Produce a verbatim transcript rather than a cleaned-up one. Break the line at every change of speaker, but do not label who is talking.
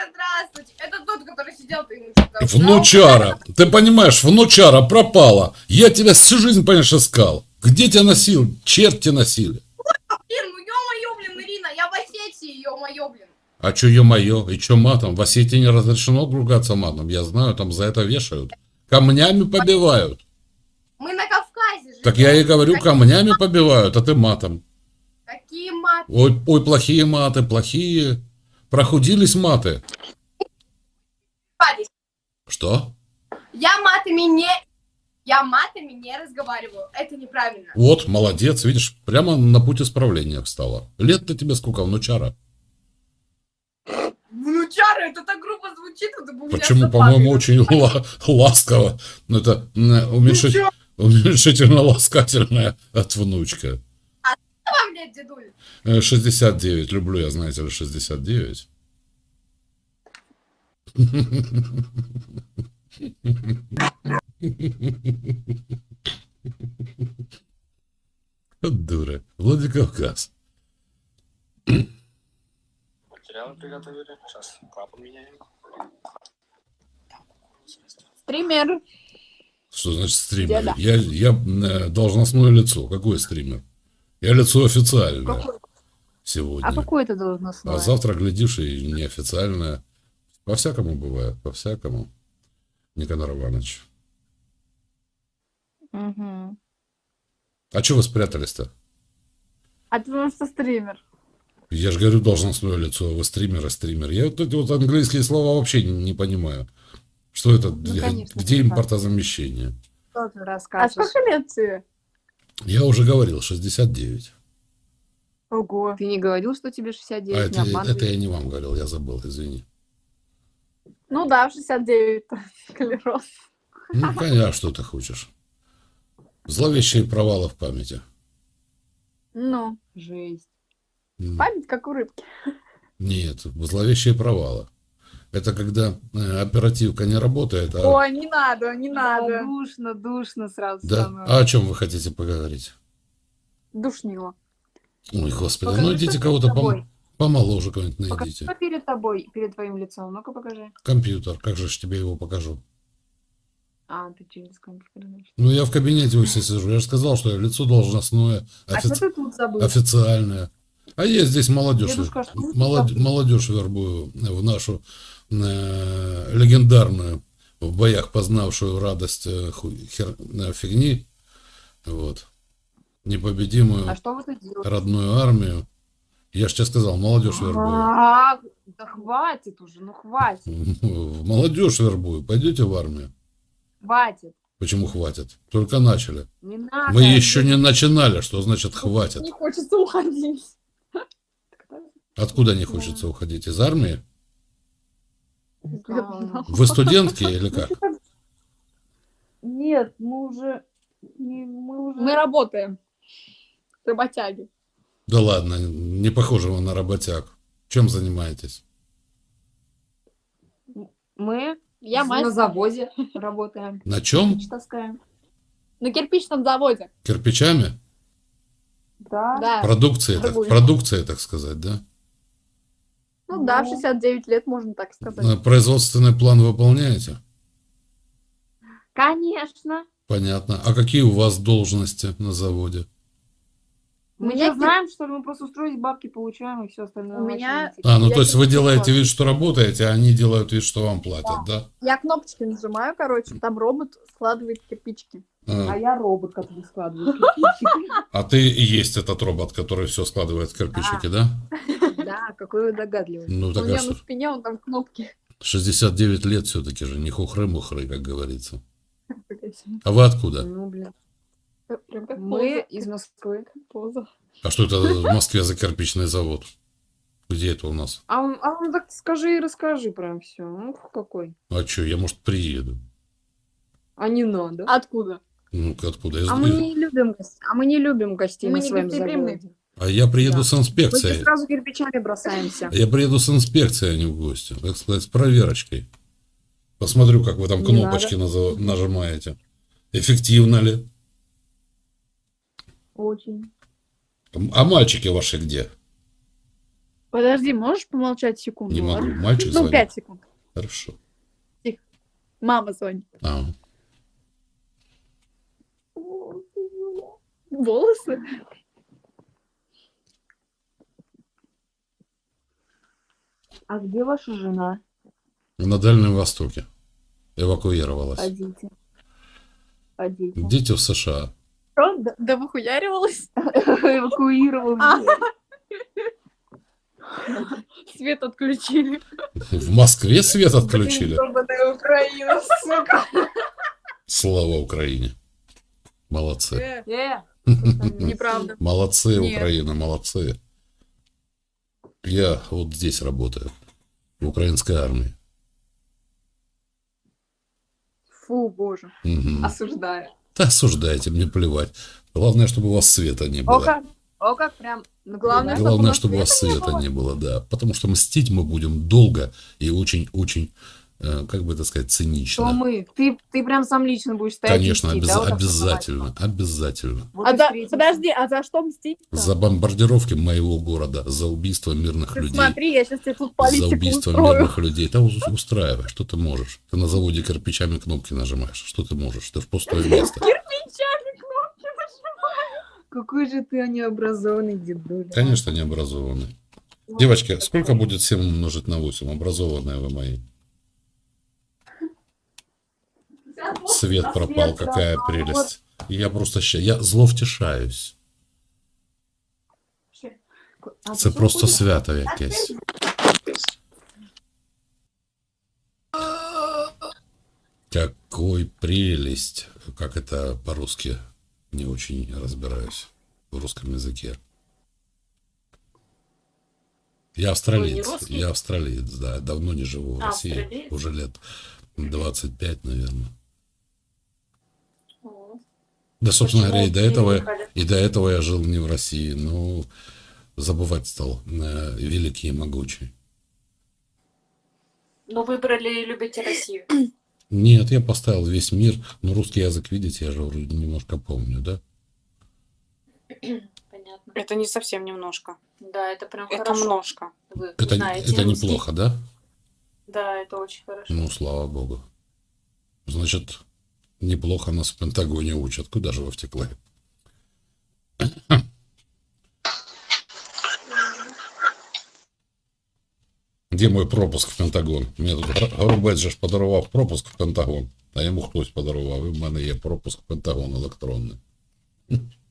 здравствуйте. Это тот, который сидел, ты ему что-то...
Внучара. Ты понимаешь, внучара пропала. Я тебя всю жизнь, понимаешь, искал. Где тебя носил? Черти носили.
Блин, ну ё-моё, блин, Ирина, я в Осетии, ё-моё, блин.
А чё, ё-моё, и чё матом? В Осетии не разрешено ругаться матом. Я знаю, там за это вешают. Камнями побивают.
Мы на Кавказе живем.
Так я и говорю,
Какие,
камнями побивают, а ты матом.
какие маты?
Ой, ой, плохие маты, плохие. Прохудились маты. Что?
Я матами не... Я матами не разговариваю. Это неправильно.
Вот, молодец, видишь, прямо на путь исправления встала. Лет-то тебе сколько, внучара?
Внучара, это так грубо звучит. Это бы у меня
Почему,
все
по-моему,
падает.
очень ла- ласково. Ну, это м, уменьшить-
чё?
уменьшительно-ласкательная от внучка.
Что вам лет, дедуль?
Э, шестьдесят девять, люблю я, знаете ли, шестьдесят девять. Вот дура. Владикавказ.
Материалы приготовили. Сейчас клапан меняем.
Стример.
Что значит стример?
Деда.
Я, я э, должностное лицо. Какой стример? Я лицо официальное
Какой?
сегодня.
А какое это должностное?
А завтра, глядишь, и неофициальное. По-всякому бывает, по-всякому. Никанор Иванович.
Угу.
А что вы спрятались-то?
А ты потому что стример.
Я же говорю, должностное лицо, а вы стример, а стример. Я вот эти вот английские слова вообще не, не понимаю. Что это?
Ну, конечно,
Где
прекрасно.
импортозамещение?
Что ты расскажешь? А сколько лет тебе?
Я уже говорил, шестьдесят девять.
Ого. Ты не говорил, что тебе шестьдесят
А
девять?
это,
Не обманывай.
это я не вам говорил, я забыл, извини.
Ну да, в шестьдесят девять склероз.
Ну, конечно, а что ты хочешь? Зловещие провалы в памяти.
Ну, жесть.
М,
Память как у рыбки.
Нет, зловещие провалы. Это когда э, оперативка не работает, а...
Ой, не надо, не надо. Душно, душно сразу
Да?
становится.
А о чем вы хотите поговорить?
Душнило.
Ой, господи,
Покажи,
ну идите
что
кого-то
перед
пом-
тобой.
помоложе кого-нибудь
Покажи,
найдите.
что перед тобой, перед твоим лицом. Ну-ка покажи.
Компьютер, как же ж тебе его покажу?
А, ты через компьютер, значит.
Ну, я в кабинете у себя сижу. Я же сказал, что я лицо должностное,
А
офици-
что ты тут забыл?
официальное. А я здесь молодежь,
Дедушка, что ты
молод-
забыл?
молодежь вербую в нашу э, легендарную, в боях познавшую радость э, ху- хер- э, фигни, вот, непобедимую
А что вы тут делаете?
родную армию. Я же тебе сказал, молодежь вербую.
А, да хватит уже, ну хватит.
В молодежь вербую. Пойдете в армию?
Хватит.
Почему хватит? Только начали.
Не надо.
Мы еще не начинали, что значит хватит.
Не хочется уходить.
Откуда не хочется уходить? Из армии?
Да.
Вы студентки или как?
Нет, мы уже... не- Мы, уже... мы работаем. Работяги.
Да ладно, не похоже вы на работяг. Чем занимаетесь?
Мы Я
на
мастер.
заводе работаем.
На чем?
Кирпич таскаем. На кирпичном заводе.
Кирпичами?
Да.
Да.
Продукцией, так,
Торгуем.
продукцией, так сказать, да?
Ну да, в шестьдесят девять лет, можно так сказать.
Э, Производственный план выполняете?
Конечно.
Понятно. А какие у вас должности на заводе?
У
Мы
меня
не знаем, что ли, мы просто устроить бабки получаем и все остальное.
У меня-
А, ну
Я
то есть вы
кирпич
делаете
плачу.
вид, что работаете, а они делают вид, что вам платят, да?
Я кнопочки нажимаю, короче, там робот складывает кирпичики.
А
А,
я робот, который складывает кирпичики.
а ты и есть этот робот, который все складывает в кирпичики, да?
Да, какой вы догадливый.
Ну
У
так а
меня
что?
на спине, он там кнопки.
шестьдесят девять лет все-таки же, не хухры-мухры, как говорится. А вы откуда?
Ну, блин.
Прям как
Мы
поза.
из Москвы.
Поза.
А что это в Москве за кирпичный завод? Где это у нас?
А он, а он так скажи и расскажи прям все. Ну, какой?
А что, я, может, приеду?
А не надо.
Откуда?
Ну, откуда? Из-
А мы не любим гостей. А мы не любим гостей
Мы
на
не
своем
гостеприимные.
заводе.
А я приеду
Да.
с
Мы
инспекцией.
тебе сразу кирпичами бросаемся.
Я приеду с инспекцией, а не в гости. Так сказать, с проверочкой. Посмотрю, как вы там
Не
кнопочки назов- нажимаете. Эффективно ли?
Очень.
А мальчики ваши где?
Подожди, можешь помолчать секунду?
Не могу.
ладно?
Мальчик
Ну,
звонит.
пять секунд.
Хорошо.
Мама звонит.
А,
Волосы?
А где ваша жена?
на Дальнем Востоке. Эвакуировалась.
А дети? А дети?
Дети в США.
Что? Да, да выхуяривалась?
Эвакуировал.
Свет отключили.
В Москве свет отключили.
Ёбаная Украина, сука.
Слава Украине. Молодцы.
Э,
Э,
неправда.
Молодцы,
Нет.
Украина, молодцы. Я вот здесь работаю. В украинской армии.
фу, боже.
Мгм.
Осуждаю.
Да осуждайте, мне плевать. Главное, чтобы у вас света не
О
было.
как, о как прям. Ну,
Главное,
да.
Главное,
чтобы у
чтобы у
нас
вас
света не
света
было.
не было, да. Потому что мстить мы будем долго и очень-очень, э, как бы это сказать,
Что
цинично.
мы? Ты, ты прям сам лично будешь стоять и
Конечно,
мстить,
обяз-
да, вот так
обязательно, обязательно.
Вот
А
и
за...
встретимся.
Подожди, а за что мстить?
За бомбардировки моего города, за убийство мирных
Ты
людей.
смотри, я сейчас тебе тут
За
политику
убийство
устрою.
мирных людей. Да ус- устраивай, что ты можешь? Ты на заводе кирпичами кнопки нажимаешь. Что ты можешь? Ты в пустое место.
Какой же ты необразованный дедуля.
Конечно, необразованный. Девочки, сколько будет семь умножить на восемь? Образованные вы мои. Свет пропал, какая прелесть. Я просто ща... Я зловтішаюсь.
А
Це
ты
просто
что
свято якесь. Какой прелесть. Как это по-русски? Не очень разбираюсь в русском языке. Я австралиец.
русский?
Я австралиец, да. Давно не живу в
А,
России.
австралиец?
Уже лет двадцать пять, наверное.
О,
Да, собственно
почему
говоря, и до этого,
переехали?
и до этого я жил не в России, но забывать стал э, великий и могучий.
Ну, выбрали и любите Россию.
Нет, я поставил весь мир, но русский язык, видите, я же вроде немножко помню, да?
Понятно.
Это не совсем немножко.
Да, это прям
Это
хорошо.
множко.
Вы
Это,
знаете
это
русский.
неплохо, да?
Да, это очень хорошо.
Ну, слава богу. Значит, неплохо нас в Пентагоне учат. Куда же вы втекли? Где мой пропуск в Пентагон? Мені тут Горобець же ж подарував пропуск в Пентагон, а йому хтось подарував, і в мене є пропуск в Пентагон електронний.